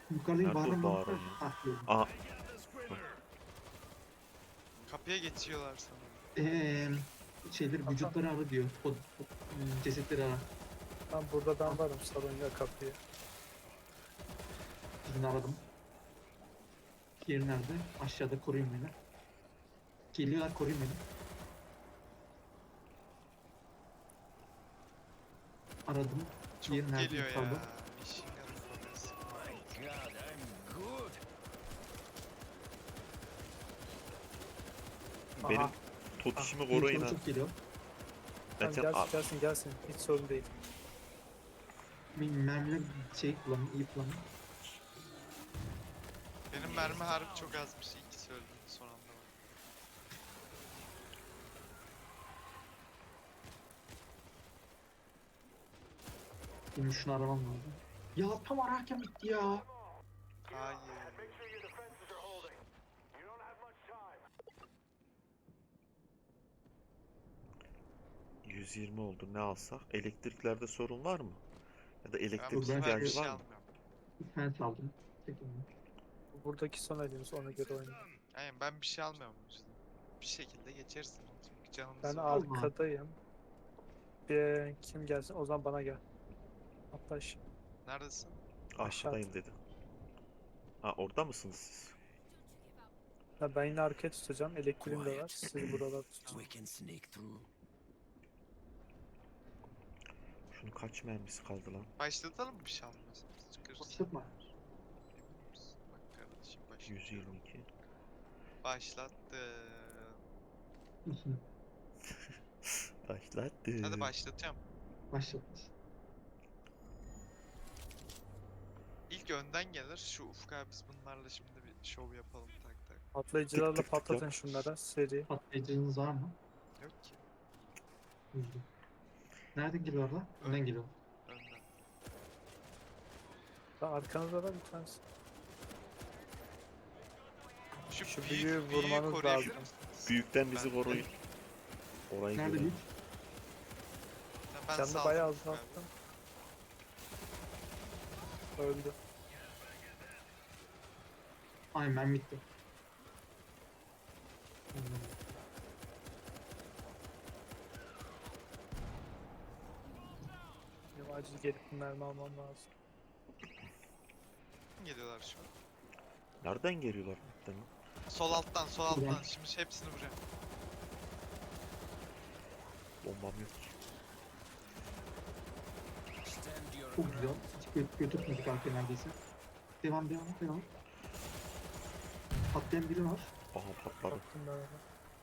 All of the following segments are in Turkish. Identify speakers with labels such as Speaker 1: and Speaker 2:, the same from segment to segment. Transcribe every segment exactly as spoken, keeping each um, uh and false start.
Speaker 1: Yukarıdaki
Speaker 2: Nerede o
Speaker 1: bağıran
Speaker 2: bağıran
Speaker 1: balıklar.
Speaker 2: ya?
Speaker 1: Ah gördüm.
Speaker 2: Aa,
Speaker 3: Kapıya geçiyorlar sanırım.
Speaker 1: Eee şeyleri vücutları ara diyor. O, o hmm, cesetleri ara.
Speaker 4: Tam burada ben varım, salonda kapıyı.
Speaker 1: Birini aradım. Diğeri nerede? Aşağıda, koruyun beni. Geliyorlar, koruyun beni. Aradım.
Speaker 3: Çok
Speaker 1: Diğeri nerede?
Speaker 3: geliyor ya.
Speaker 1: Yukarıda.
Speaker 3: Machine gun focus.
Speaker 2: benim
Speaker 4: Aha.
Speaker 2: totişimi
Speaker 1: Diğeri
Speaker 2: koruyun
Speaker 1: sana
Speaker 2: ha.
Speaker 1: çok geliyor.
Speaker 4: Tamam,
Speaker 2: Zaten
Speaker 4: gelsin
Speaker 2: al.
Speaker 4: gelsin gelsin. Hiç sorun değil.
Speaker 1: Bir mermiler şey kullanın, iyi kullanın.
Speaker 3: Benim mermi harbi çok azmış. İkisi öldü son anda.
Speaker 1: Benim şunu aramam lazım. Ya tam ararken bitti ya.
Speaker 3: Hayır.
Speaker 2: yüz yirmi oldu, ne alsak? Elektriklerde sorun var mı? Ya da
Speaker 3: Ben
Speaker 2: elektrik
Speaker 3: bu
Speaker 1: ben
Speaker 3: sefer bir
Speaker 2: ihtiyacı
Speaker 3: şey
Speaker 2: var mı?
Speaker 3: almıyorum.
Speaker 1: Bir tane saldım. Çekildim.
Speaker 4: Buradaki son elimiz, ona göre oynayın.
Speaker 3: Aynen ben bir şey almıyorum bu yüzden. Bir şekilde geçersin. Çünkü canımız
Speaker 4: Ben
Speaker 3: var.
Speaker 1: Allah.
Speaker 4: arkadayım. Bir kim gelsin? O zaman bana gel. Hatta ş-
Speaker 3: Neredesin?
Speaker 2: Aşağıdayım dedi. Ha, orada mısınız siz?
Speaker 4: ha, ben yine arkaya tutacağım. Elektriğim de var. Siz buralar tutun.
Speaker 5: We can sneak through.
Speaker 2: Şunun kaç mermisi kaldı lan?
Speaker 3: Başlatalım mı bir şey almıyorsan? Çıkarız.
Speaker 1: Başlatma.
Speaker 3: Emin misin? Bak kardeşim başlattım.
Speaker 2: yüz yirmi iki.
Speaker 3: Başlattım.
Speaker 2: Başlattı.
Speaker 3: Hadi başlatacağım.
Speaker 1: Başlatmış.
Speaker 3: İlk önden gelir. Şu Ufuk abi biz bunlarla şimdi bir şov yapalım tak tak.
Speaker 4: Patlayıcılarla
Speaker 2: Tık tık tık
Speaker 4: patlatın
Speaker 2: yap.
Speaker 4: şunlara. Seri.
Speaker 1: Patlayıcınız var mı?
Speaker 3: Yok ki.
Speaker 1: Yüzde. Nereden geliyorlar? Önden geliyor.
Speaker 3: Önden.
Speaker 4: Ha, arkanızda var bir tanesi.
Speaker 3: Şu,
Speaker 4: Şu
Speaker 3: büyük,
Speaker 4: büyüğü
Speaker 3: büyüğü
Speaker 4: vurmanız
Speaker 3: koruyabilir
Speaker 4: lazım.
Speaker 3: misiniz?
Speaker 2: Büyükten bizi
Speaker 3: Ben-
Speaker 2: koruyun. Orayı
Speaker 1: Nerede
Speaker 2: görelim.
Speaker 1: büyük?
Speaker 3: Ben
Speaker 4: Canını
Speaker 3: saldım
Speaker 4: bayağı
Speaker 3: Ufuk abi.
Speaker 4: azalttım. Öldü.
Speaker 1: Aynen ben bitti. Hmm.
Speaker 4: Benim acil gelip bir mermi almam lazım.
Speaker 3: Geliyorlar şu an.
Speaker 2: Nereden geliyorlar? Değil mi?
Speaker 3: Sol alttan, sol alttan.
Speaker 1: Ulan.
Speaker 3: Şimdi hepsini vuracağım.
Speaker 2: Bombam yok ki.
Speaker 5: Stand your
Speaker 1: Çok güzel.
Speaker 5: ground.
Speaker 1: Hiç gö götürmedik arkaya neredeyse. Devam devam devam. Patlayan biri var.
Speaker 2: Aha, patladı.
Speaker 4: Baktım ben ona.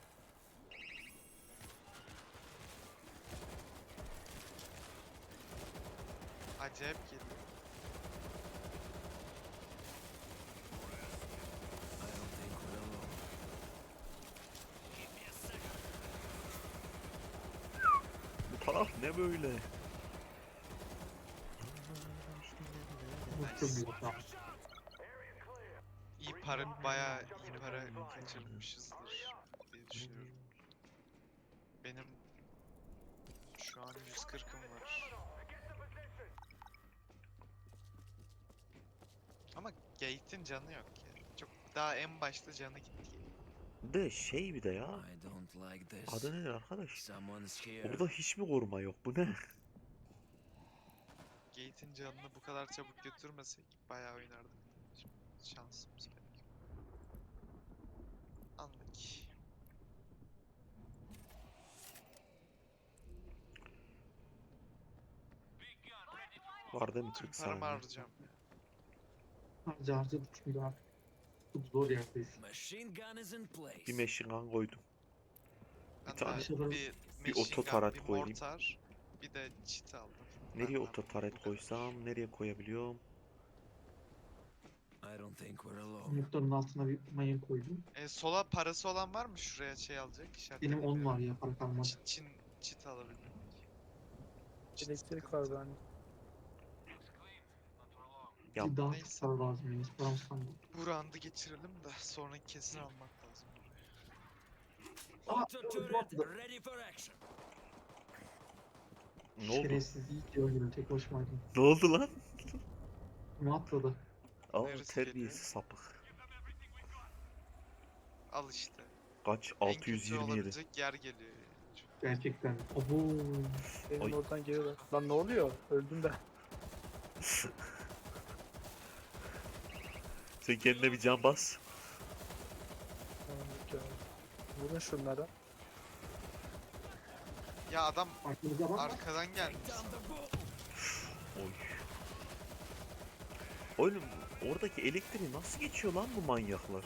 Speaker 3: Acayip geliyor.
Speaker 5: I don't think we're alone.
Speaker 2: Bu taraf ne böyle?
Speaker 1: Bu çok güzel. Tamam.
Speaker 3: İyi para, bayağı iyi para kaçırmışızdır diye düşünüyorum. Benim şu an yüz kırkım var. Ama Gate'in canı yok ya. Çok daha en başta canı gitti.
Speaker 2: De şey bir de ya.
Speaker 5: I don't like this.
Speaker 2: Adı nedir arkadaş?
Speaker 5: Someone's here.
Speaker 2: Orada hiç mi koruma yok? Bu ne?
Speaker 3: Gate'in canını bu kadar çabuk götürmesek bayağı oynardık. Şimdi şansımız pek. Anlık.
Speaker 2: Var değil mi
Speaker 3: Tüm
Speaker 2: kırk
Speaker 3: paramı
Speaker 2: saniye?
Speaker 3: harcayacağım.
Speaker 1: Harca harcadık çünkü artık. Çok zor yerdeyiz.
Speaker 5: Machine gun is in place.
Speaker 2: Bir machine gun koydum.
Speaker 3: Ben
Speaker 2: tane-
Speaker 3: de
Speaker 1: Şurada
Speaker 3: bir,
Speaker 2: bir
Speaker 3: machine gun,
Speaker 2: ototaret
Speaker 3: bir
Speaker 2: koyayım.
Speaker 3: mortar, bir de çit aldım.
Speaker 2: Nereye
Speaker 3: Benden
Speaker 2: ototaret
Speaker 3: bu kadar.
Speaker 2: koysam? Nereye koyabiliyorum?
Speaker 5: I don't think we're alone.
Speaker 1: Yumurtanın altına bir mayın koydum.
Speaker 3: E, sola parası olan var mı şuraya şey alacak? İşaret
Speaker 1: Benim on
Speaker 3: ediyorum.
Speaker 1: var ya, para kalmadı.
Speaker 3: Çit, çin, çit alabilmek. Çit
Speaker 4: Elektrik
Speaker 3: sıkıntı.
Speaker 4: var bende.
Speaker 2: Ya
Speaker 1: Bir daha
Speaker 3: neyse.
Speaker 1: çok para lazım benim. Hiç param kalmadı.
Speaker 3: Bu round'ı geçirelim de sonra kesin almak lazım.
Speaker 1: Aa!
Speaker 5: Auto turret ready for action.
Speaker 2: ne oldu?
Speaker 1: Şerefsiz iyi ki öldüm. Tek başımaydım.
Speaker 2: Ne oldu lan?
Speaker 1: Kim atladı?
Speaker 2: Aa
Speaker 3: Neresi
Speaker 2: terbiyesiz
Speaker 3: geliyor?
Speaker 2: sapık.
Speaker 3: Al işte.
Speaker 2: Kaç?
Speaker 3: En kötü
Speaker 2: altı yüz yirmi yedi.
Speaker 3: olabilecek yer geliyor. yani. Çok-
Speaker 1: Gerçekten. Abo.
Speaker 4: Benim
Speaker 2: Ay.
Speaker 4: oradan geliyorlar. Lan ne oluyor? Öldüm de.
Speaker 2: Sen kendine bir can bas.
Speaker 4: Tamam, yok ya. Vurun şunlara.
Speaker 3: Ya adam
Speaker 1: Arkamıza bak.
Speaker 3: arkadan gelmiş.
Speaker 5: Down the boat.
Speaker 2: Oy. Oğlum oradaki elektriği nasıl geçiyor lan bu manyaklar?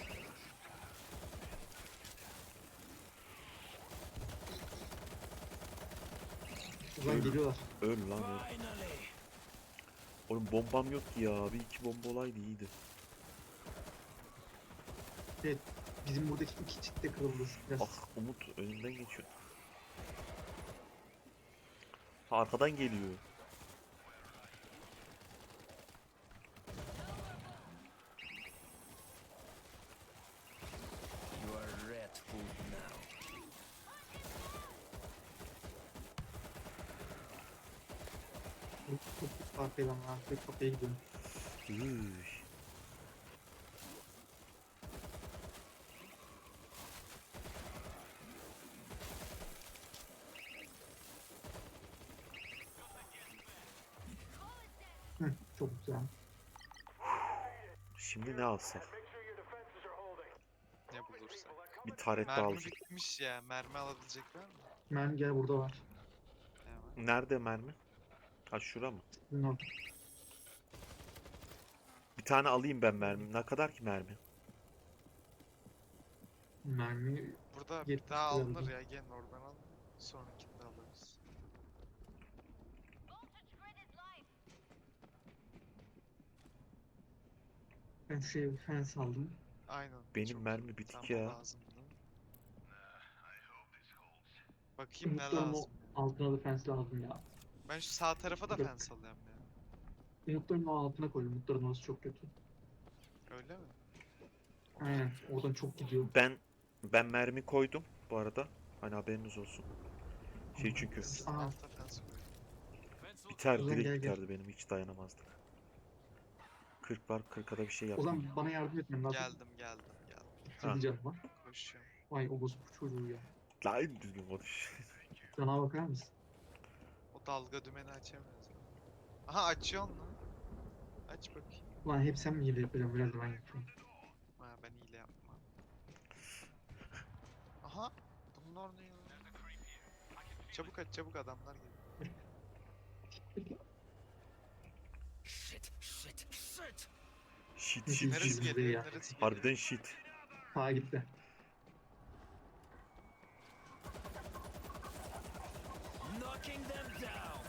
Speaker 1: Ulan geliyorlar.
Speaker 2: Öl lan öl.
Speaker 5: Finally.
Speaker 2: Oğlum bombam yok ki ya. Bir iki bomba olaydı iyiydi.
Speaker 1: Evet. Bizim buradaki iki çift de kırıldı. Biraz.
Speaker 2: Ah Umut önünden geçiyor. Ha, arkadan geliyor.
Speaker 5: You are rat food now.
Speaker 1: Çok çok arkaya lan. Artık kapıya gidiyorum.
Speaker 2: Üy.
Speaker 1: Hı, çok güzel.
Speaker 2: Şimdi ne alsak?
Speaker 3: Ne bulursak.
Speaker 2: Bir taret daha
Speaker 3: Mermi
Speaker 2: alacak.
Speaker 3: bitmiş ya. Mermi alabilecek var mı?
Speaker 1: Mermi gel burada var.
Speaker 3: Hemen.
Speaker 2: Nerede mermi? Ha şura mı?
Speaker 1: Bunun orada.
Speaker 2: Bir tane alayım ben mermi. Ne kadar ki mermi?
Speaker 1: Mermi
Speaker 3: Burada bir
Speaker 1: Yetmiş
Speaker 3: daha
Speaker 1: lira
Speaker 3: alınır
Speaker 1: bu.
Speaker 3: ya. Gelin oradan al. Sonrakini de alırız.
Speaker 1: ben şuraya bir fence aldım.
Speaker 3: Aynen.
Speaker 2: Benim
Speaker 3: çok
Speaker 2: mermi
Speaker 3: iyi.
Speaker 2: bitik
Speaker 3: Tam o
Speaker 2: ya.
Speaker 3: lazımdı. Bakayım ne
Speaker 1: Umutların o
Speaker 3: lazım.
Speaker 1: altına da fence lazım ya.
Speaker 3: Ben şu sağ tarafa da
Speaker 1: Yok.
Speaker 3: fence alıyorum ya.
Speaker 1: Umutların o altına koy. Umutların orası çok kötü.
Speaker 3: Öyle mi?
Speaker 1: Aynen. Oradan çok gidiyor.
Speaker 2: Ben ben mermi koydum bu arada. Hani haberiniz olsun. Şey çünkü
Speaker 1: Aa,
Speaker 3: Altta fence koy.
Speaker 2: biter
Speaker 1: Ozan
Speaker 2: direkt
Speaker 1: gel, gel.
Speaker 2: biterdi benim hiç dayanamazdık. kırk var kırka da bir şey
Speaker 1: o
Speaker 2: yapayım.
Speaker 1: zaman bana yardım etmen lazım.
Speaker 3: Geldim geldim geldim.
Speaker 2: Ha.
Speaker 1: Bitirdi canım var.
Speaker 3: Koşuyorum.
Speaker 1: Vay o bozuk çocuğu ya.
Speaker 2: Lan düzgün konuş.
Speaker 1: Cana bakar mısın?
Speaker 3: O dalga dümeni açamıyoruz. Aha açıyorsun lan. Aç bakayım.
Speaker 1: Ulan hep sen mi hile yapacağım? Biraz da ben yapıyorum.
Speaker 3: Ha ben hile yapmam. Aha. Bunlar ne ya? Çabuk aç çabuk adamlar geliyor.
Speaker 5: Shit, shit, shit.
Speaker 2: Shit
Speaker 1: Neresi
Speaker 2: shit
Speaker 3: Neresi
Speaker 2: shit.
Speaker 1: geliyor?
Speaker 3: geliyor?
Speaker 1: ya.
Speaker 3: Neresi geliyor?
Speaker 2: Harbiden shit.
Speaker 1: Sağa gitti.
Speaker 5: Knocking them down.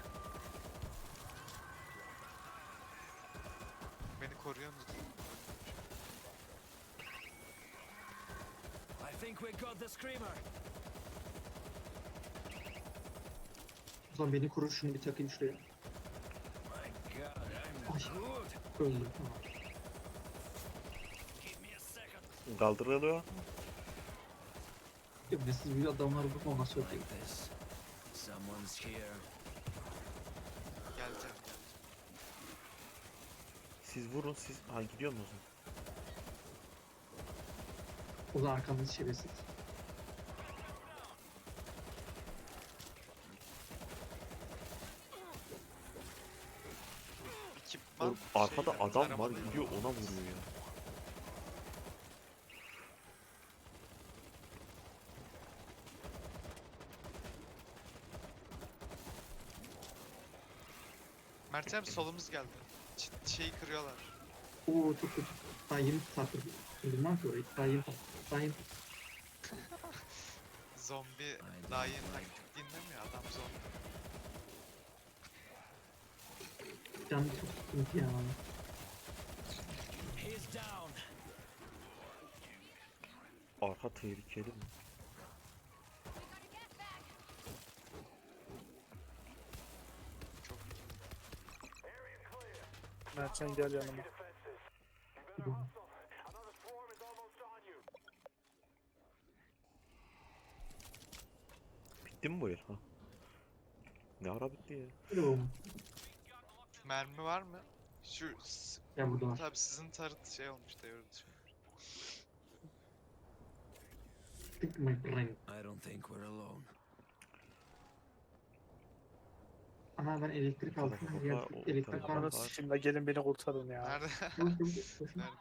Speaker 3: Beni koruyorsunuz.
Speaker 5: I think we got the screamer.
Speaker 1: O zaman beni korur şunu bir takayım şuraya.
Speaker 5: My God, I'm
Speaker 1: Ay.
Speaker 5: good.
Speaker 1: Öldüm. Tamam.
Speaker 5: Give me a second.
Speaker 2: Kaldırılıyor.
Speaker 1: Ya bir siz bir adamlar vurup ondan sonra
Speaker 5: Like this. Someone's here.
Speaker 3: Geleceğim geleceğim.
Speaker 2: Siz vurun siz. Ha gidiyor mu o zaman?
Speaker 1: o zaman arkamda şerefsiz.
Speaker 3: Ekipman
Speaker 2: Oğlum, arkada
Speaker 3: şeyler,
Speaker 2: adam var
Speaker 3: taramalı
Speaker 2: gidiyor
Speaker 3: yollar.
Speaker 2: ona vuruyor ya.
Speaker 3: Mertem solumuz geldi. Ç- şeyi kırıyorlar.
Speaker 1: Oo çok kötü. Daha yeni taktım. Bilmem ki orayı. Daha yeni taktım. Daha yeni
Speaker 3: Zombi
Speaker 5: don't
Speaker 3: daha yeni
Speaker 5: like
Speaker 3: taktik dinlemiyor adam zombi.
Speaker 1: Canım çok sıkıntı ya.
Speaker 5: He's down.
Speaker 2: Arka tehlikeli mi?
Speaker 3: Çok iyi.
Speaker 4: Mertcan gel yanıma.
Speaker 1: Gidiyorum.
Speaker 2: Bitti mi bu yer? Ha. Ne ara bitti ya?
Speaker 1: Gidiyorum.
Speaker 3: Mermi var mı? Şu s-
Speaker 1: Ya burada var.
Speaker 3: tabii sizin tarıt şey olmuş devrildi şu an.
Speaker 1: Pick my brain.
Speaker 5: I don't think we're alone.
Speaker 1: Ana ben elektrik
Speaker 2: Bu
Speaker 1: aldım.
Speaker 2: tarafa
Speaker 1: Her yer
Speaker 2: bak, o- o
Speaker 1: elektrik
Speaker 2: tarafa
Speaker 1: var.
Speaker 4: Ananı
Speaker 2: var.
Speaker 4: sikeyim la, gelin beni kurtarın ya.
Speaker 3: Nerede?
Speaker 1: Koş, koş, koş.
Speaker 3: Neredesin?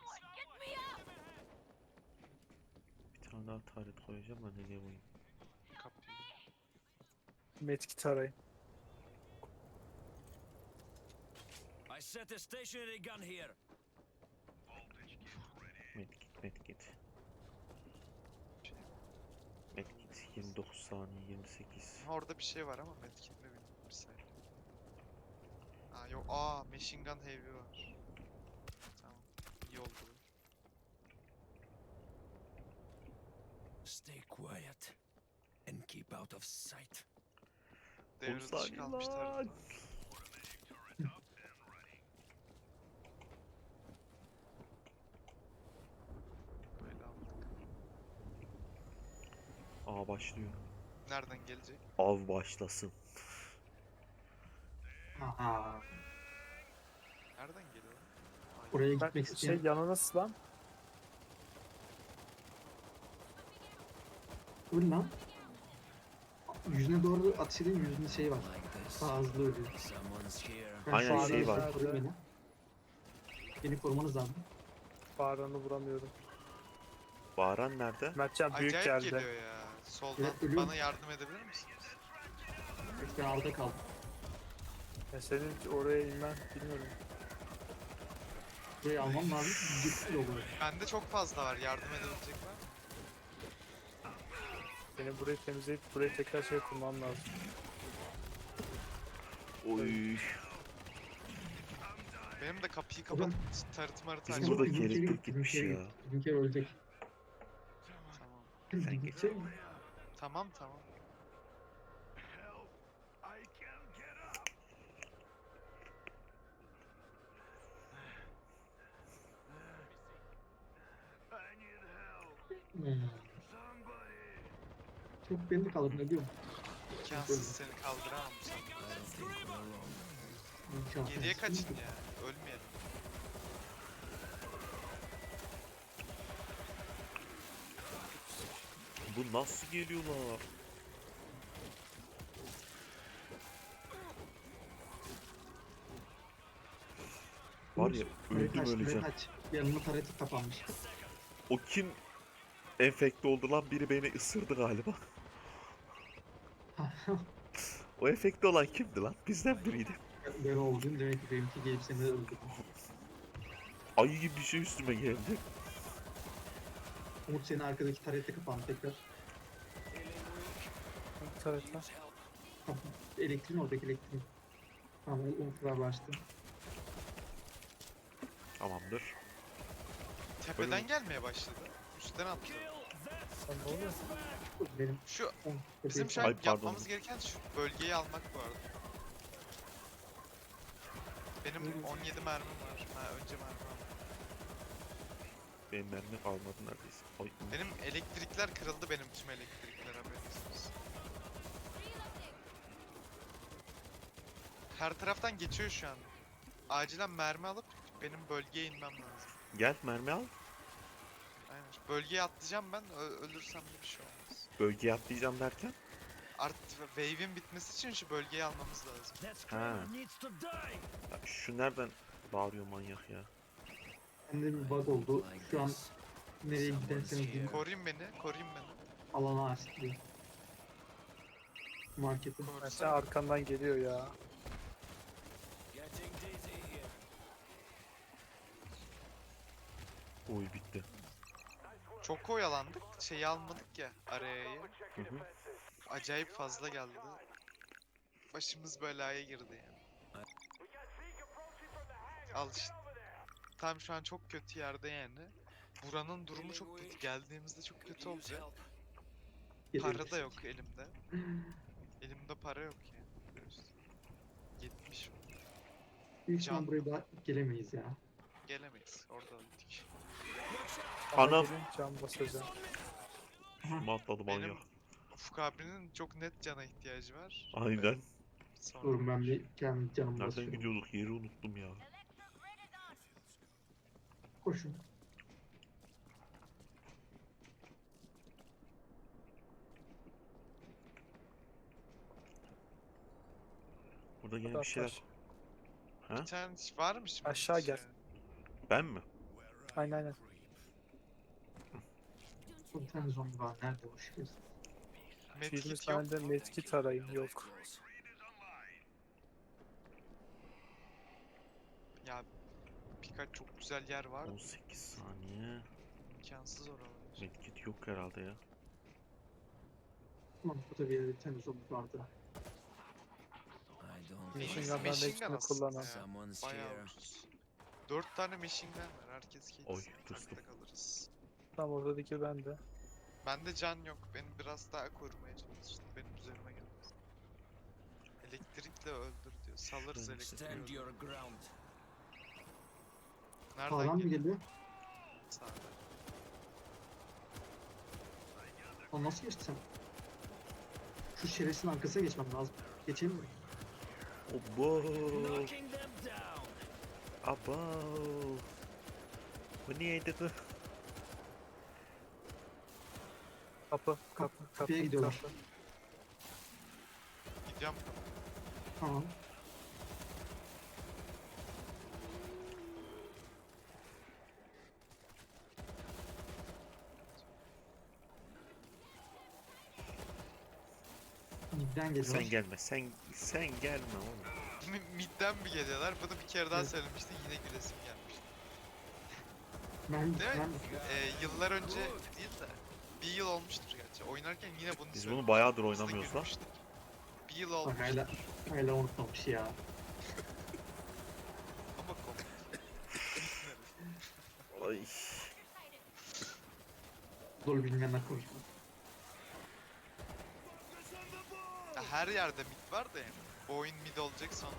Speaker 2: Bir tane daha taret koyacağım ben nereye koyayım?
Speaker 3: Kapıyı.
Speaker 4: Medkit arayın.
Speaker 5: I set a stationary gun here.
Speaker 2: Medkit medkit. Medkit yirmi dokuz saniye yirmi sekiz.
Speaker 3: Ha, orada bir şey var ama medkit mi bilmiyorum bir saniye. Aa yok, aa machine gun heavy var. Tamam, iyi oldu. bu.
Speaker 5: Stay quiet and keep out of sight.
Speaker 2: on
Speaker 3: Devre dışı
Speaker 2: saniye
Speaker 3: kalmış
Speaker 2: lan.
Speaker 3: tarafta. Böyle aldık.
Speaker 2: Aa başlıyor.
Speaker 3: Nereden gelecek?
Speaker 2: Av başlasın.
Speaker 1: Aha.
Speaker 3: Nereden geliyor? Ay,
Speaker 1: Oraya
Speaker 4: Ben
Speaker 1: gitmek
Speaker 4: şey
Speaker 1: isteyen.
Speaker 4: yanınız lan.
Speaker 1: Dur lan. Yüzüne doğru atış edeyim. Yüzünde şey var.
Speaker 5: Like this.
Speaker 1: Daha hızlı ölüyor.
Speaker 5: Someone's here.
Speaker 1: Ben
Speaker 2: Aynen,
Speaker 1: şu
Speaker 2: şey
Speaker 1: an
Speaker 2: var.
Speaker 1: koruyun Beni. Beni korumanız lazım.
Speaker 4: Bağıranı vuramıyorum.
Speaker 2: Bağıran nerede?
Speaker 4: Mertcan büyük
Speaker 3: Acayip
Speaker 4: geldi.
Speaker 3: geliyor ya. Soldan
Speaker 1: Evet, ölüyorum.
Speaker 3: bana yardım edebilir misiniz?
Speaker 1: İşte alda kaldım.
Speaker 4: Ya senin oraya inmen bilmiyorum.
Speaker 1: Burayı almam lazım. Gitti oluyor.
Speaker 3: Bende çok fazla var. Yardım edebilecek var mı?
Speaker 4: Benim burayı temizleyip burayı tekrar şey kurmam lazım.
Speaker 2: Oy.
Speaker 3: Benim de kapıyı
Speaker 1: Oğlum,
Speaker 3: kapatıp tarıt marıt
Speaker 2: Bizim
Speaker 3: açmam.
Speaker 2: burada
Speaker 1: Bizimki-
Speaker 2: elektrik gitmiş
Speaker 1: bizimki-
Speaker 2: ya.
Speaker 1: Bizimki ölecek.
Speaker 3: Tamam.
Speaker 1: Bizimki-
Speaker 3: Tamam tamam.
Speaker 1: Hmm. Çok beni de kaldırdın ne diyorum.
Speaker 3: İmkansız, seni kaldıramam bu sefer.
Speaker 5: I don't think we're alone.
Speaker 1: İmkansız.
Speaker 3: Geriye kaçın ya. Ölmeyelim.
Speaker 2: Bu nasıl geliyorlar? Var ya
Speaker 1: Buraya
Speaker 2: öldüm
Speaker 1: kaç, buraya
Speaker 2: öleceğim.
Speaker 1: kaç. Yanına tareti kapanmış.
Speaker 2: O kim enfekte oldu lan? Biri beni ısırdı galiba. O enfekte olan kimdi lan? Bizden biriydi.
Speaker 1: Ben oldum demek ki benimki gelip seni öldürdü.
Speaker 2: Ayı gibi bir şey üstüme geldi.
Speaker 1: Umut senin arkadaki tarette kapandı tekrar.
Speaker 4: Evet lan.
Speaker 1: Elektriğin oradaki elektriğin. Tamam Umut abi açtı.
Speaker 2: Tamamdır.
Speaker 3: Tepeden
Speaker 2: Ölüm.
Speaker 3: gelmeye başladı. Üstten attı.
Speaker 4: Sen ne oluyor?
Speaker 1: Benim
Speaker 3: Şu
Speaker 1: Umut
Speaker 3: bizim şu an
Speaker 2: Ay, pardon.
Speaker 3: yapmamız gereken şu bölgeyi almak bu arada. Benim on yedi mermim var. Ha önce mermi aldım.
Speaker 2: Benim mermi kalmadı neredeyse. Ay,
Speaker 3: Benim elektrikler kırıldı, benim tüm elektrikler, haberiniz olsun. Her taraftan geçiyor şu an. Acilen mermi alıp benim bölgeye inmem lazım.
Speaker 2: Gel mermi al.
Speaker 3: Aynen. Bölgeye atlayacağım ben. Ö- ölürsem de bir şey olmaz.
Speaker 2: Bölgeye atlayacağım derken.
Speaker 3: Art wave'in bitmesi için şu bölgeyi almamız lazım.
Speaker 5: That screamer needs to die.
Speaker 2: Ya şu nereden bağırıyor manyak ya?
Speaker 1: bende bir bug oldu.
Speaker 5: Like
Speaker 1: Şu an
Speaker 5: this.
Speaker 1: nereye
Speaker 5: Someone's
Speaker 1: giderseniz gidin
Speaker 5: here.
Speaker 3: Koruyun beni, koruyun beni.
Speaker 1: alana açtı. Marketi.
Speaker 4: Mertcan
Speaker 3: Korusana.
Speaker 4: arkandan geliyor ya.
Speaker 5: Getting dizzy here.
Speaker 2: Oy bitti.
Speaker 3: Çok oyalandık, şeyi almadık ya, arayayı.
Speaker 2: Hı hı.
Speaker 3: Acayip fazla geldi. Başımız belaya girdi yani. Al işte. Tam şu an çok kötü yerde yani. Buranın durumu çok kötü. Geldiğimizde çok kötü olacak. Para da yok elimde. Elimde para yok yani. Görüyorsun. yetmiş
Speaker 1: Büyük ihtimal
Speaker 3: Can.
Speaker 1: buraya daha gelemeyiz ya.
Speaker 3: gelemeyiz. Orada öldük.
Speaker 4: Bana
Speaker 2: Anam.
Speaker 4: gelin, can basacağım.
Speaker 2: Üstüme atladı
Speaker 3: Benim
Speaker 2: manyak.
Speaker 3: Ufuk abinin çok net cana ihtiyacı var.
Speaker 2: Aynen.
Speaker 3: Sonra
Speaker 1: Durun ben bir kendi canımı
Speaker 2: Nereden
Speaker 1: basıyorum.
Speaker 2: gidiyorduk? Yeri unuttum ya.
Speaker 1: şunu.
Speaker 2: Burada yine
Speaker 4: Hadi
Speaker 2: bir şeyler.
Speaker 4: atlar.
Speaker 2: Ha?
Speaker 3: Bir tane varmış mı?
Speaker 4: Aşağı gel.
Speaker 2: Ben mi?
Speaker 4: Aynen aynen.
Speaker 1: Bir tane zombi var. Nerede o şey?
Speaker 4: yirmi
Speaker 3: Medkit yok
Speaker 4: tane de
Speaker 3: mu?
Speaker 4: medkit arayın. Yok.
Speaker 3: Ya birkaç çok güzel yer var.
Speaker 2: on sekiz saniye.
Speaker 3: İmkansız oralar.
Speaker 2: Medkit yok herhalde ya.
Speaker 1: Tamam, burada bir yerde bir tane zombi vardı.
Speaker 5: I don't
Speaker 4: Machine
Speaker 5: think
Speaker 3: Neyse,
Speaker 4: gun'dan
Speaker 3: machine
Speaker 4: hepsini
Speaker 3: gun aslında
Speaker 4: kullanan.
Speaker 3: ya.
Speaker 5: someone's
Speaker 3: Bayağı
Speaker 5: here.
Speaker 3: ucuz. Dört tane machine gun var. Herkes
Speaker 2: Oy,
Speaker 3: kedisi.
Speaker 2: tırstım.
Speaker 3: Takta kalırız.
Speaker 4: Tam oradaki bende.
Speaker 3: Bende can yok. Beni biraz daha korumaya çalıştı. Benim üzerime gelmez. Elektrikle öldür diyor. Salırız
Speaker 2: Şuradan
Speaker 3: elektriği.
Speaker 5: Stand
Speaker 3: öldür.
Speaker 5: your ground.
Speaker 3: Nereden
Speaker 1: Sağdan mı
Speaker 3: geliyor?
Speaker 1: geliyor?
Speaker 3: Sağdan.
Speaker 1: O nasıl geçti sen? Şu şerefsizin arkasına geçmem lazım. Geçeyim mi?
Speaker 2: Obo.
Speaker 5: Knocking them down.
Speaker 2: Abo. Bu niyeydi kız?
Speaker 4: Kapı, kapı, kapı.
Speaker 1: Kapıya gidiyorlar.
Speaker 4: kapı.
Speaker 3: Gidiyorum.
Speaker 1: Tamam. Midden geliyorlar.
Speaker 2: Sen gelme. Sen sen gelme oğlum.
Speaker 3: Mi- Midden mi geliyorlar? Bunu bir kere daha
Speaker 1: Evet.
Speaker 3: söylemişti. Yine gülesim gelmişti.
Speaker 1: Ben,
Speaker 3: Değil mi?
Speaker 1: ben
Speaker 3: Ee, yıllar önce değil de bir yıl olmuştur gerçi. Oynarken yine bunu
Speaker 2: Biz bunu
Speaker 3: söylemiştik.
Speaker 2: bayağıdır
Speaker 3: Biz de
Speaker 2: oynamıyoruz lan.
Speaker 3: gülmüştük. Bir yıl
Speaker 1: bak
Speaker 3: olmuş
Speaker 1: hala, hala unutmamış ya.
Speaker 3: ama komik.
Speaker 2: Ay.
Speaker 1: Dolu bilmeyenler konuşma.
Speaker 3: Ya her yerde mid var da yani. Bu oyun mid olacak sonra.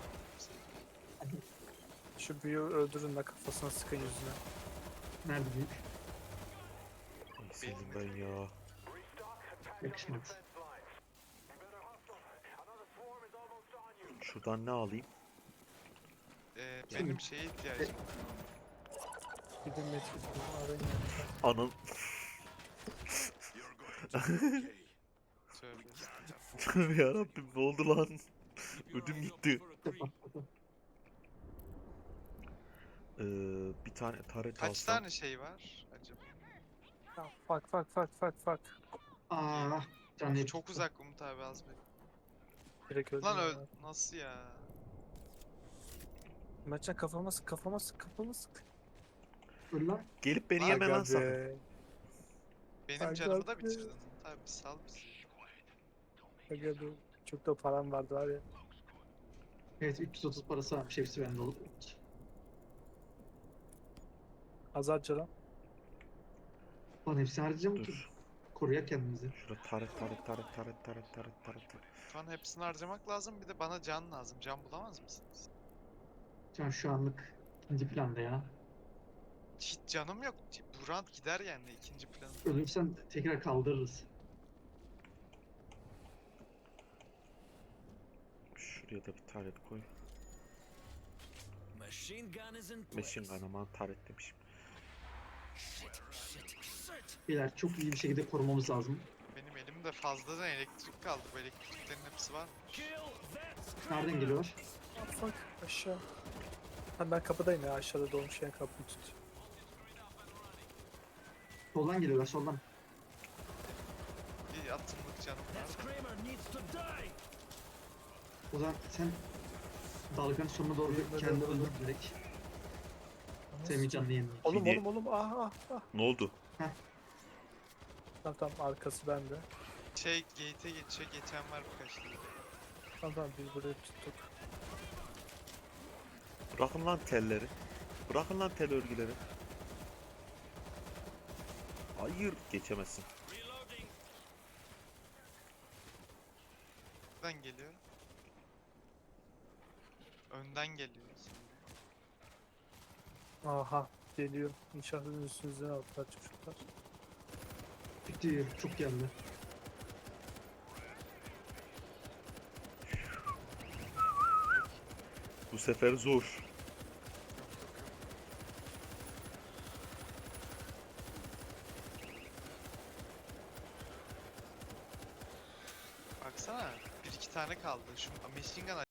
Speaker 4: Şu büyüğü öldürün de kafasına sıkın yüzüne.
Speaker 1: Nerede büyük?
Speaker 2: Ay senin ben ya.
Speaker 1: Yakışmadı.
Speaker 2: Şuradan ne alayım?
Speaker 3: Ee,
Speaker 1: Şimdi-
Speaker 3: benim şeye ihtiyacım var.
Speaker 4: Gidin medkit bulun, arayın.
Speaker 2: Anın.
Speaker 3: Söyle.
Speaker 2: Tövbe yarabbim ne oldu lan? Ödüm gitti.
Speaker 1: Patladı.
Speaker 2: Ee, bir tane taret
Speaker 3: Kaç
Speaker 2: alsam.
Speaker 3: tane şey var acaba?
Speaker 4: Ya, Fak fak fak fak fak.
Speaker 1: Aa, can
Speaker 3: Of, çok uzak Umut abi az be.
Speaker 4: Direkt öldüm.
Speaker 3: Lan
Speaker 4: ya.
Speaker 3: öl nasıl ya?
Speaker 4: Mertcan kafama sık, kafama sık, kafama sık.
Speaker 1: Öl lan.
Speaker 2: Gelip beni
Speaker 3: Aga
Speaker 2: yeme lan sakın.
Speaker 4: be.
Speaker 3: Benim
Speaker 4: Ay,
Speaker 3: canımı da
Speaker 4: God be.
Speaker 3: bitirdin Umut abi sal bizi.
Speaker 4: Aga be. Çok da param vardı var ya.
Speaker 1: Evet, üç yüz otuz parası varmış. Hepsi bende oldu.
Speaker 4: Azar lan.
Speaker 1: Lan hepsini harcayacağım ki.
Speaker 2: Dur.
Speaker 1: Koruyak kendimizi.
Speaker 2: Şurada taret taret taret taret taret taret taret.
Speaker 3: Şu an hepsini harcamak lazım bir de bana can lazım. Can bulamaz mısınız?
Speaker 1: Can şu anlık ikinci planda ya.
Speaker 3: Hiç canım yok. Bu round gider yani ikinci planı.
Speaker 1: Ölürsen tekrar kaldırırız.
Speaker 2: Şuraya da bir taret koy.
Speaker 5: Machine gun is in place.
Speaker 2: Machine gun aman taret demişim.
Speaker 5: Shit, shit, shit.
Speaker 1: Beyler çok iyi bir şekilde korumamız lazım.
Speaker 3: Benim elimde fazladan elektrik kaldı. Bu elektriklerin hepsi var mı?
Speaker 5: Kill that screamer.
Speaker 1: Nereden geliyorlar?
Speaker 4: Ah, fuck aşağı. Ha, ben kapıdayım ya, aşağıda dolmuş yani kapıyı tut.
Speaker 1: Soldan geliyorlar, soldan.
Speaker 3: Bir atımlık canım
Speaker 5: That
Speaker 3: var.
Speaker 5: screamer needs to die.
Speaker 1: O zaman sen dalganın sonuna doğru
Speaker 4: Yürüme
Speaker 1: kendini
Speaker 4: doğru.
Speaker 1: öldür direkt. Semih canlı yenildi.
Speaker 4: Oğlum
Speaker 2: Yedi-
Speaker 4: oğlum oğlum ah ah ah.
Speaker 2: Ne oldu?
Speaker 4: Tamam tamam, arkası bende.
Speaker 3: Şey gate'e geçiyor. Geçen var birkaç tane.
Speaker 4: Tamam tamam, biz burayı tuttuk.
Speaker 2: Bırakın lan telleri. Bırakın lan tel örgüleri. Hayır geçemezsin.
Speaker 5: Reloading.
Speaker 3: Nereden geliyor? Önden geliyor.
Speaker 4: Aha geliyor. İnşaatın üstünüzden aldılar çocuklar.
Speaker 1: Bitti, çok geldi.
Speaker 2: Bu sefer zor.
Speaker 3: baksana. Bir iki tane kaldı. Şu machine gun